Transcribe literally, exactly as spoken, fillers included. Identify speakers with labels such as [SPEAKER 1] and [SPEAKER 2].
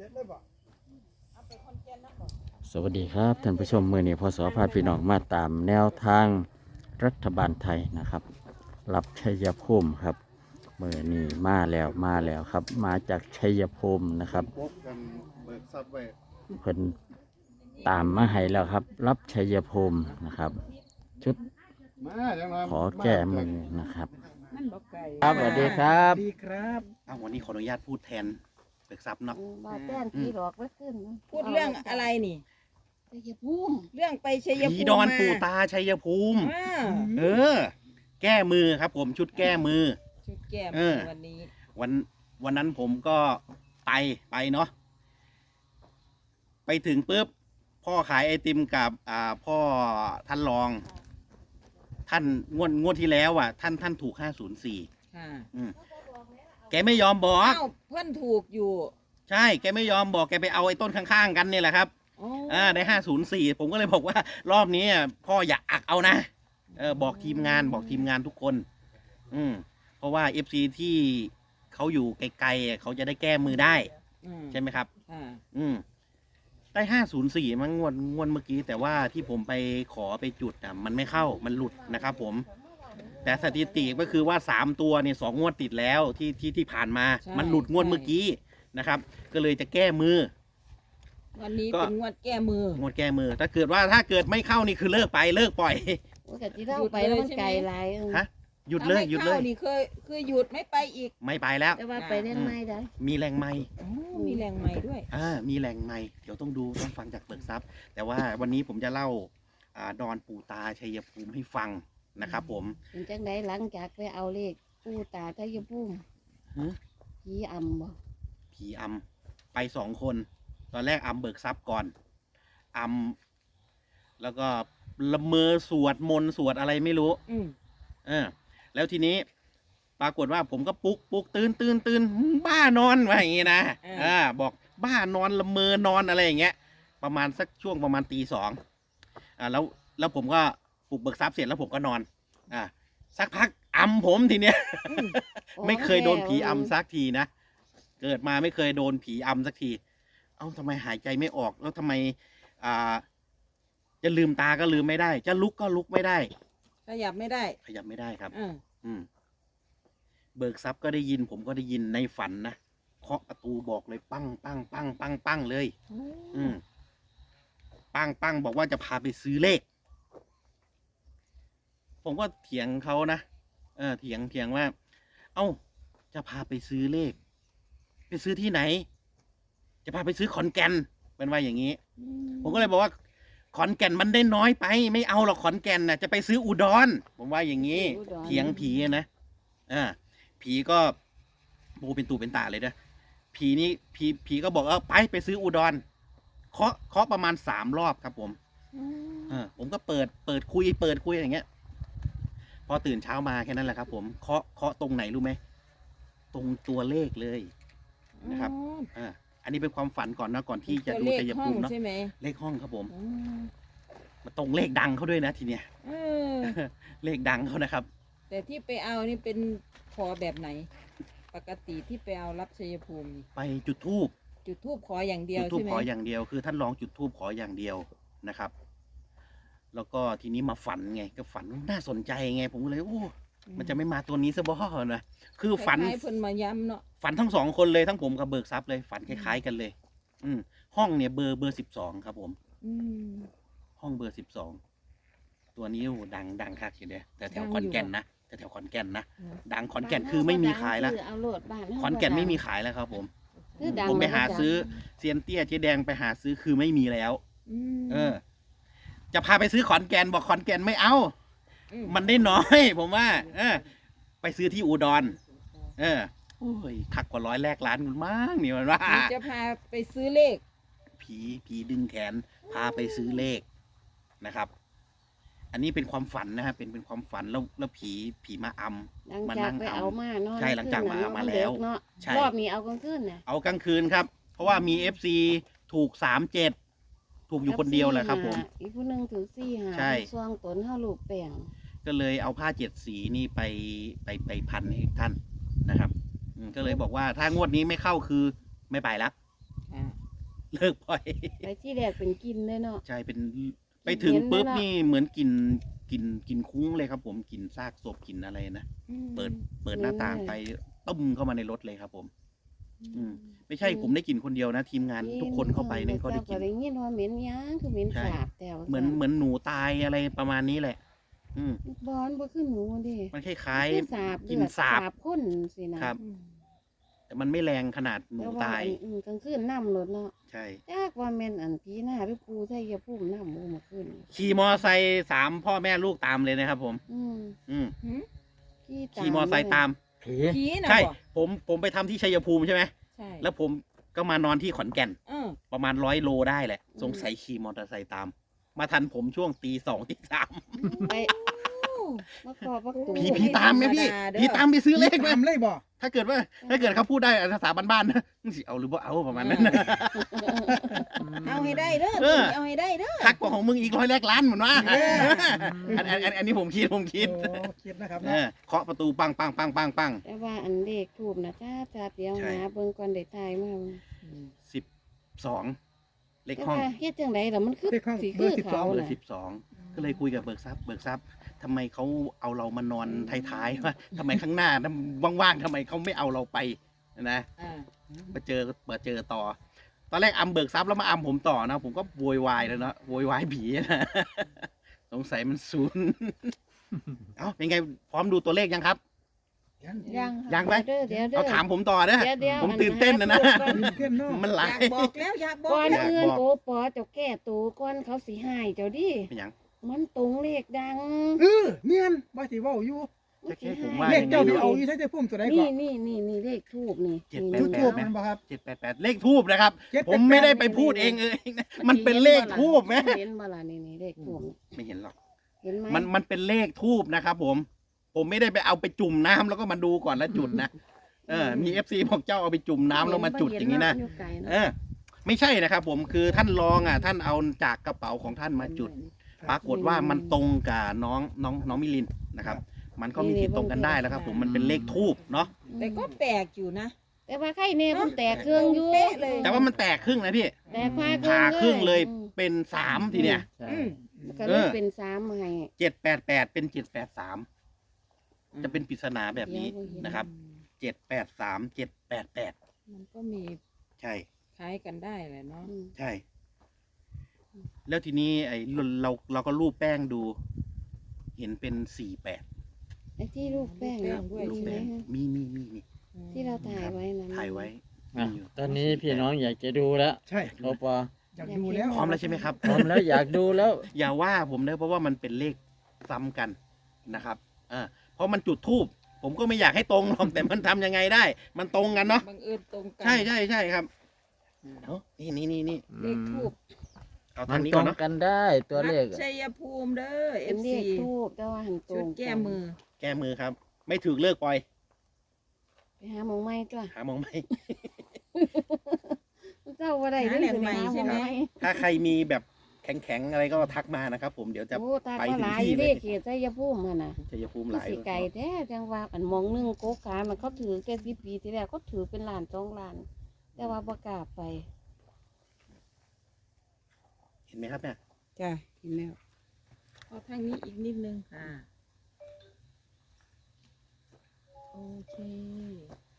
[SPEAKER 1] สวัสดีครับท่านผู้ชมมือนี้พศพาพี่น้องมาตามแนวทางรัฐบาลไทยนะครับรับชัยภูมิครับมือนี้มาแล้วมาแล้วครับมาจากชัยภูมินะครับเพิ่นตามมาให้แล้วครับรับชัยภูมินะครับชุดขอแก้มือนะครับครับสวัสดีครับ
[SPEAKER 2] ดีครับอ้าววันนี้ขออนุญาตพูดแทนเบิกทรัพย์เนาะ
[SPEAKER 3] ว่าแป้นผีหลอกไว้ขึ้น
[SPEAKER 4] พูดเรื่องอะไรนี่
[SPEAKER 3] ชัยภูมิ
[SPEAKER 4] เรื่องไปชัยภูมิ
[SPEAKER 2] ผีดอนปู่ตาชัยภูมิ
[SPEAKER 4] อ่า
[SPEAKER 2] เออ แก้มือครับผมชุดแก้มือ
[SPEAKER 4] ชุดแก้
[SPEAKER 2] เอ
[SPEAKER 4] มือ
[SPEAKER 2] อ
[SPEAKER 4] วันนี้
[SPEAKER 2] วันวันนั้นผมก็ไปไปเนาะไปถึงปุ๊บพ่อขายไอติมกับอ่าพ่อท่านรอง ท่านงวดงวดที่แล้วอ่ะ ท่านท่านถูกห้าศูนย์สี่
[SPEAKER 4] ค่ะ
[SPEAKER 2] อืมแกไม่ยอมบอก
[SPEAKER 4] เอ้าเพื่อนถูกอยู่
[SPEAKER 2] ใช่แกไม่ยอมบอกแกไปเอาไอ้ต้นข้างๆกันเนี่ยแหละครับ
[SPEAKER 4] อ๋อ
[SPEAKER 2] อ่าได้ห้าศูนย์สี่ผมก็เลยบอกว่ารอบนี้พ่ออย่าอักเอานะเออบอกทีมงานบอกทีมงานทุกคน อืมเพราะว่าเอฟซีที่เขาอยู่ไกลๆเขาจะได้แก้มือได้
[SPEAKER 4] อืม
[SPEAKER 2] ใช่ไหมครับ
[SPEAKER 4] อ่า
[SPEAKER 2] อืมได้ห้าศูนย์สี่มั้งงวดงวดเมื่อกี้แต่ว่าที่ผมไปขอไปจุดอ่ะมันไม่เข้ามันหลุดนะครับผม แต่สถิติก็คือว่าสามตัวเนี่ยสองงวดติดแล้วที่ที่ที่ผ่านมา มันหลุดงวดเมื่อกี้นะครับ ก็เลยจะแก้มือ
[SPEAKER 4] วันนี้
[SPEAKER 2] ก็
[SPEAKER 4] เป็นงวดแก้มือ
[SPEAKER 2] งวดแก้มือ ถ้าเกิดว่าถ้าเกิดไม่เข้านี่คือเลิกไปเลิกปล่อย
[SPEAKER 3] โอ้แต่ที่เราไปแล้วมันไกลหลายเออ
[SPEAKER 2] ฮะ หยุดเลย
[SPEAKER 4] ถ้าไม่
[SPEAKER 2] หยุดเลย
[SPEAKER 4] ข้านี่คือคือหยุดไม่ไปอีก
[SPEAKER 2] ไม่ไปแล้ว
[SPEAKER 3] แต่ว่าไปเล่นไม้ได้
[SPEAKER 2] มีแรงไม่
[SPEAKER 4] อ๋อมีแรงใหม่ด้วย
[SPEAKER 2] อ่ามีแรงไม่เดี๋ยวต้องดูต้องฟังจากเบิกทรัพย์ แต่ว่าวันนี้ผมจะเล่าอ่าดอนปู่ตาชัยภูมิให้ฟังนะครับผม
[SPEAKER 3] เป็นจังไดหลังจากไปเอาเลขปู่ตาชัยภูมิ
[SPEAKER 2] ฮะ
[SPEAKER 3] ผีอำบ่
[SPEAKER 2] ผีอำไปสองคน ตอนแรกอำเบิกทรัพย์ก่อนอำแล้วก็ละเมอสวดมนต์สวดอะไรไม่รู้
[SPEAKER 4] อืม
[SPEAKER 2] เออแล้วทีนี้ปรากฏว่าผมก็ปลุกปลุกตื่นตื่นตื่นบ้านอนว่าอย่างงี้นะอ่าบอกบ้านอนละเมอนอนอะไรอย่างเงี้ย ประมาณสักช่วงประมาณตีสองอ่าแล้วแล้วผมก็ปลุกเบิกทรัพย์เสร็จแล้วผมก็นอนอ่าสักพักอำผมทีเนี้ย ไม่เคยโดนผีอำสักทีนะเกิดมาไม่เคยโดนผีอำสักที เอ้าทำไมหายใจไม่ออกแล้วทำไมอ่าจะลืมตาก็ลืมไม่ได้ จะลุกก็ลุกไม่ได้
[SPEAKER 4] ขยับไม่ได้
[SPEAKER 2] ขยับไม่ได้ครับ
[SPEAKER 4] อ่า
[SPEAKER 2] อืมเบิกทรัพย์ก็ได้ยิน ผมก็ได้ยินในฝันนะเคาะประตูบอกเลยปั้งปั้งปั้งปั้งปั้งเลย อืมปั้งปั้งบอกว่าจะพาไปซื้อเลข ผมก็เถียงเขานะเออเถียงเถียงว่า เอ้า จะพาไปซื้อเลข ไปซื้อที่ไหน จะพาไปซื้อขอนแก่นเป็นว่าอย่างนี้ ผมก็เลยบอกว่า ขอนแก่นมันได้น้อยไป ไม่เอาหรอกขอนแก่นนะจะไปซื้ออุดร ผมว่าอย่างนี้ เถียงผีนะอ่าผีก็โบเป็นตูเป็นตาเลยนะผีนี่ผีผีก็บอกเออไปไปซื้ออุดรเคาะเคาะประมาณสามรอบครับผมเออผมก็เปิดเปิดคุยเปิดคุยอย่างเงี้ย พอตื่นเช้ามาแค่นั้นแหละครับผมเคาะเคาะตรงไหนรู้ไหมตรงตัวเลขเลยนะครับอ่าอันนี้เป็นความฝันก่อนนะก่อนที่จะดูชัยภูมิเนาะ
[SPEAKER 4] ใช่ไหม
[SPEAKER 2] เลขห้องครับผม
[SPEAKER 4] อืม
[SPEAKER 2] มาตรงเลขดังเขาด้วยนะทีเนี้ย
[SPEAKER 4] เออ
[SPEAKER 2] เลขดังเขานะครับ
[SPEAKER 4] แต่ที่ไปเอานี่เป็นขอแบบไหน ปกติที่ไปเอารับชัยภูมินี่
[SPEAKER 2] ไปจุดธูป
[SPEAKER 4] จุดทูบขออย่างเดีย
[SPEAKER 2] จุ
[SPEAKER 4] ว
[SPEAKER 2] ดธูป
[SPEAKER 4] ใช่ไหม
[SPEAKER 2] ขออย่างเดียวคือท่านลองจุดธูปขออย่างเดียวนะครับ แล้วก็ทีนี้มาฝันไงก็ฝันน่าสนใจไง ผมก็เลยโอ้มันจะไม่มาตัวนี้ซะบ่นะคือฝัน
[SPEAKER 4] คล้ายๆเพิ่นมาย้ำเนาะ
[SPEAKER 2] ฝันทั้งสองคนเลยทั้งผมกับเบิกทรัพย์เลยฝันคล้ายๆกันเลย อืมห้องเนี่ยเบอร์เบอร์สิบสองครับผม
[SPEAKER 4] อืม
[SPEAKER 2] ห้องเบอร์สิบสองตัวนี้โอ้ดังดังคักอยู่เด้แต่แถวขอนแก่นนะแต่แถวขอนแก่นนะดังขอนแก่นคือไม่มีขายแล้ว
[SPEAKER 3] เอาโลดบ้าน
[SPEAKER 2] ขอนแก่นไม่มีขายแล้วครับผม
[SPEAKER 3] คือดัง
[SPEAKER 2] ผมไปหาซื้อเซียนเตี้ยเจ๊แดงไปหาซื้อคือไม่มีแล้ว
[SPEAKER 4] อืม
[SPEAKER 2] เออ จะพาไปซื้อขอนแก่นบอกขอนแก่นไม่เอา
[SPEAKER 4] อืม
[SPEAKER 2] มันได้น้อย ผมว่า เออ ไปซื้อที่อุดร เออโอ้ยคักกว่าร้อยแรกล้านคุณมากนี่มันว่า
[SPEAKER 4] ผีจะพาไปซื้อเลข
[SPEAKER 2] ผีผีดึงแขน พาไปซื้อเลขนะครับ อันนี้เป็นความฝันนะครับเป็นเป็นความฝันแล้วแล้วผีผีมาอำ
[SPEAKER 3] หลัง
[SPEAKER 2] มา
[SPEAKER 3] จาก
[SPEAKER 2] นั่ง
[SPEAKER 3] ไป
[SPEAKER 2] อำ
[SPEAKER 3] เอามาเนาะ
[SPEAKER 2] ใช่หลังจากมามาแล้ว
[SPEAKER 3] เนาะ
[SPEAKER 2] ใช่
[SPEAKER 3] รอบนี้เอากลางคืนน่ะ
[SPEAKER 2] เอากลางคืนครับ เพราะว่ามีเอฟซีถูกสามเจ็ดถูกอยู่คนเดียวแหละครับผม
[SPEAKER 3] อีกผู้หนึงถือสี่หา
[SPEAKER 2] ใช่
[SPEAKER 3] ซองตนเฮาลูกแป้ง
[SPEAKER 2] ก็เลยเอาผ้าเจ็ดสีนี่ไปไปไปพันให้ท่านนะครับอืมก็เลยบอกว่าถ้างวดนี้ไม่เข้าคือไม่ไปละ
[SPEAKER 4] อ่า
[SPEAKER 2] เลิกปล่อย
[SPEAKER 3] ไปที่แรกเป็นกินเลยเนาะ
[SPEAKER 2] ใช่เป็นไปถึง
[SPEAKER 3] เห็นไหม
[SPEAKER 2] ปุ๊บ
[SPEAKER 3] ล่ะ
[SPEAKER 2] นี่เหมือนกินกินกินคุ้งเลยครับ ผมกินซากศพกินอะไรนะ
[SPEAKER 4] อืม
[SPEAKER 2] เปิดเปิดหน้าต่างไปต้มเข้ามาในรถเลยครับ ผม อืม ไม่ใช่ผมได้กินคนเดียวนะ ทีมงานทุกคนเข้าไปเนี่ยก็ได้กิน
[SPEAKER 3] ได้ยินว่าเหม็นหยังคือเหม็น
[SPEAKER 2] ใช่
[SPEAKER 3] สาบแต่ว่า
[SPEAKER 2] เหมือนเหมือนหนูตายอะไรประมาณนี้แหละ อืม
[SPEAKER 3] บอนบ่คือหนูเดิ
[SPEAKER 2] มันคล้าย
[SPEAKER 3] คือสาบ
[SPEAKER 2] กิน
[SPEAKER 3] เลือด
[SPEAKER 2] สาบ
[SPEAKER 3] พ่นสินะครับ
[SPEAKER 4] อืม
[SPEAKER 2] ๆแต่มันไม่แรงขนาดหนู
[SPEAKER 3] แต่ว่า
[SPEAKER 2] ตาย
[SPEAKER 3] อันอืมกลางคืนน้ำรถเนาะ
[SPEAKER 2] ใช่
[SPEAKER 3] จักว่าแม่นอันผีหน้าหรือปูใช่ยาพุ่มน้ำมูมาขึ้น
[SPEAKER 2] ขี่มอไซค์สามพ่อแม่ลูกตามเลยนะครับ ผม
[SPEAKER 3] อืม
[SPEAKER 2] อืม
[SPEAKER 4] หืม
[SPEAKER 2] ขี่มอไซค์ตาม
[SPEAKER 1] ผี
[SPEAKER 4] ผีนะ
[SPEAKER 2] ใช่
[SPEAKER 4] บ่
[SPEAKER 2] ผมผมไปทำที่ชัยภูมิใช่ไหม
[SPEAKER 4] ใช่
[SPEAKER 2] แล้วผมก็มานอนที่ขอนแก่น
[SPEAKER 4] เออ
[SPEAKER 2] ประมาณร้อยโลได้แหละ สงสัยขี่มอเตอร์ไซค์ตาม มาทันผมช่วงตีสองตีสาม
[SPEAKER 3] ไปมาขอพักตู
[SPEAKER 2] ผีผีตามไหมพี่ผีตามไปซื้อเลขไหม
[SPEAKER 5] ตามเลยบ่
[SPEAKER 2] ถ้าเกิดว่า ถ้าเกิดเขาพูดได้ภาษาบ้านๆนะมึงสิเอาหรือบ่เอาประมาณนั้นนะ
[SPEAKER 4] เอาให้ได้เด้อ
[SPEAKER 2] เออ
[SPEAKER 4] เอาให้ได้เด้อ
[SPEAKER 2] คักกว่าของมึงอีกร้อยแรกล้านเหมือนว่า
[SPEAKER 5] เออ
[SPEAKER 2] อันอันอันอันนี้ผมคิดผมคิด
[SPEAKER 5] โอ้คิดนะครับ
[SPEAKER 2] เออเคาะประตูปังปังปังปังปัง
[SPEAKER 3] แต่ว่าอันเลขทูบนะจ้าจ้าเดี๋ยว
[SPEAKER 2] ใช่
[SPEAKER 3] หาเบิ่งก่อนได้ทายมา
[SPEAKER 2] สิบสองเลข
[SPEAKER 3] แต่
[SPEAKER 2] ห้อง
[SPEAKER 3] ว่าเฮ็ดจังไดล่ะมันคือ
[SPEAKER 5] เลขห้อง
[SPEAKER 3] สิ
[SPEAKER 5] เบ
[SPEAKER 3] คือ อ
[SPEAKER 5] ร์สิบสอ
[SPEAKER 3] เขา
[SPEAKER 5] ง
[SPEAKER 2] เบอ
[SPEAKER 3] น่ะ
[SPEAKER 2] ร์สิบสองก็เลยคุยกับเบิกทรัพย์เบิกทรัพย์ทำไมเขาเอาเรามานอนท้ายๆวะทำไมข้างหน้านะว่างๆทำไมเขาไม่เอาเราไปนะ
[SPEAKER 4] อ่า
[SPEAKER 2] มาเจอมาเจอต่อ ตอนแรกอำเบิกทรัพย์แล้วมาอำผมต่อนะ ผมก็โวยวายแล้วนะโวยวายผีนะ สงสัยมันศูนย์ เอ้าเป็นไงพร้อมดูตัวเลขยังครับ
[SPEAKER 5] ยัง
[SPEAKER 4] ยัง
[SPEAKER 2] ยังไหม
[SPEAKER 3] เดี๋ยวเดี๋ยวเดี๋ยว
[SPEAKER 2] เอาถามผมต่อนะ
[SPEAKER 3] เดี๋ยวเดี๋ยว
[SPEAKER 2] ผมตื่นเต้นนะนะ
[SPEAKER 3] อัหาตัวก่อ
[SPEAKER 5] ตื่นเต้นเนาะ
[SPEAKER 2] มันห
[SPEAKER 4] อ
[SPEAKER 2] ลาย
[SPEAKER 4] าย กบอกแล้วอยากบอก
[SPEAKER 3] ก่อน
[SPEAKER 4] แล้ว
[SPEAKER 3] อื่น
[SPEAKER 2] บอก
[SPEAKER 3] โอปอเจ้าแก้ตัวก่อนเขาสิหายเจ้าดิ
[SPEAKER 2] เป็นหยัง
[SPEAKER 3] มันตรงเลขดัง
[SPEAKER 5] เออเมียนบ่สิเว้าอยู่
[SPEAKER 2] จะแค่ผมว่า
[SPEAKER 5] เลขเจ้าที่เอาอยู่ใช้แต่พุ่มตัวใดก่
[SPEAKER 3] นี่
[SPEAKER 5] อน
[SPEAKER 3] นี่นี่นี่เลขทูบนี่
[SPEAKER 2] เจ็ด
[SPEAKER 3] นี่
[SPEAKER 2] แปด
[SPEAKER 5] จุด
[SPEAKER 2] แป
[SPEAKER 5] ทูบ
[SPEAKER 2] ไหม
[SPEAKER 5] มันบ่ครับ
[SPEAKER 2] เจ็ดแปดแปดเลขทูบนะครับ
[SPEAKER 5] เจ็ดแปดแปด
[SPEAKER 2] ผมไม่ได้ไปพูดเองเองนะมันเป็นเลขทูบไหม
[SPEAKER 3] เห็นบ่ล่ะนี่นี่เลขทูบนี่
[SPEAKER 2] ไม่เห็นหรอก
[SPEAKER 3] เห็นไหม
[SPEAKER 2] มันมันเป็นเลขทูบนะครับผม ผมไม่ได้ไปเอาไปจุ่มน้ำแล้วก็มาดูก่อนแล้วจุดนะ เออ มีเอฟซีบอกเจ้าเอาไปจุ่มน้ำแล้วมาจุดอย่างนี้นะ
[SPEAKER 3] เห็บ่อยู่ไกล
[SPEAKER 2] เออ ไม่ใช่นะครับผมคือท่านรองอ่ะ ท่านเอาจากกระเป๋าของท่านมาจุด ปรากฏว่ามันตรงกับน้องน้องน้องมิลินนะครับ มันก็มีสิทธิ์ตรงกันได้แล้วครับ ผมมันเป็นเลขทูบเนาะ
[SPEAKER 4] แต่ก็แปลกอยู่นะ
[SPEAKER 3] แต่ว่าไข่เนี่ยมันแตกเครื่องอยู่
[SPEAKER 4] เป๊ะเลย
[SPEAKER 2] แต่ว่ามันแตกครึ่งนะพี่
[SPEAKER 3] แตกพา
[SPEAKER 2] ผ่าครึ่งเลย
[SPEAKER 3] อืม
[SPEAKER 2] เป็นสามทีเนี่ย
[SPEAKER 1] ใช่
[SPEAKER 4] อืม
[SPEAKER 3] ก็เลยเป็นสามให้
[SPEAKER 2] เจ็ดแปดแปดเป็นเจ็ดแปดสามจะเป็นปริศนาแบบนี้นะครับเจ็ดแปดสามเจ็ดแปดแปด
[SPEAKER 4] มันก็มี
[SPEAKER 2] ใช่
[SPEAKER 4] คล้ายกันได้แหละเนาะ
[SPEAKER 3] อืม
[SPEAKER 2] ใช่ แล้วทีนี้ไอ้เราเราเราก็รูปแป้งดู เห็นเป็นสี่แปด
[SPEAKER 3] ไอ้ที่ลูกแป้งเนี่ย
[SPEAKER 2] รูป
[SPEAKER 3] มีไหม
[SPEAKER 2] แป้ง
[SPEAKER 3] ฮะ
[SPEAKER 2] มีมีมีมี
[SPEAKER 3] ที่เราถ่ายไว้นะ
[SPEAKER 2] ถ่ายไว้
[SPEAKER 1] อ่ะ
[SPEAKER 2] มีอยู่
[SPEAKER 1] ตอนนี้พี่น้องอยากจะดูแล้ว
[SPEAKER 5] ใช่
[SPEAKER 1] โอปอ
[SPEAKER 5] อยากดูแล้ว
[SPEAKER 2] พร้อมแล้วใช่ไหมครับ
[SPEAKER 1] พร้อมแล้วอยากดูแล้ว
[SPEAKER 2] อย่าว่าผมนะเพราะว่ามันเป็นเลขซ้ำกันนะครับอ่าเพราะมันจุดทูบผมก็ไม่อยากให้ตรงหรอก แต่มันทำยังไงได้ มันตรงกันเนาะ
[SPEAKER 4] บังเอิญตรงกัน
[SPEAKER 2] ใช่ใช่ใช่ครับเอานี่นี่นี่นี่
[SPEAKER 4] เลขทูบ
[SPEAKER 2] เอา
[SPEAKER 1] มั
[SPEAKER 2] ทาง
[SPEAKER 1] น
[SPEAKER 2] นี้
[SPEAKER 1] ตร
[SPEAKER 2] ก่อน
[SPEAKER 1] ง
[SPEAKER 2] เนาะ
[SPEAKER 1] กันได้ตัวเลข
[SPEAKER 4] วัดชัยภูมิเด้อเอ
[SPEAKER 3] เป็น
[SPEAKER 4] ฟ
[SPEAKER 3] เล
[SPEAKER 4] ซี
[SPEAKER 3] ขทูบแต่ว่าหันตร
[SPEAKER 4] ชุด
[SPEAKER 3] ง
[SPEAKER 4] แก้มือ
[SPEAKER 2] แก้มือครับ ไม่ถือเลิกปล่อย
[SPEAKER 3] ไปหาหมองไม้ตัว
[SPEAKER 2] หามองไม่
[SPEAKER 3] เจ้าว่าได้เรื่องหาหมองไม้
[SPEAKER 2] ถ้าใครมีแบบแข็งๆอะไรก็ทักมานะครับผมเดี๋ยวจะ
[SPEAKER 3] โอ้ตา
[SPEAKER 2] ไป
[SPEAKER 3] ก็
[SPEAKER 2] ถึ
[SPEAKER 3] ห
[SPEAKER 2] ง
[SPEAKER 3] ลาย
[SPEAKER 2] ที่
[SPEAKER 3] เล
[SPEAKER 2] เลย
[SPEAKER 3] ขเขตชัยภูมิหั่นน่ะ
[SPEAKER 2] ชัยภูมิห
[SPEAKER 3] มัน
[SPEAKER 2] ลาย
[SPEAKER 3] สิไก่แท้จังว่าอันหมองหนึงโกกามันเขาถือแค่สิบปีที่แล้วเขาถือเป็นล้านสองล้าน แต่ว่าบ่กล้าไป
[SPEAKER 2] เห็นไหมครับเนี่ย
[SPEAKER 4] จ้ะ
[SPEAKER 3] เห็นแล้ว
[SPEAKER 4] เอาทางนี้อีกนิดนึงอ่าโอเค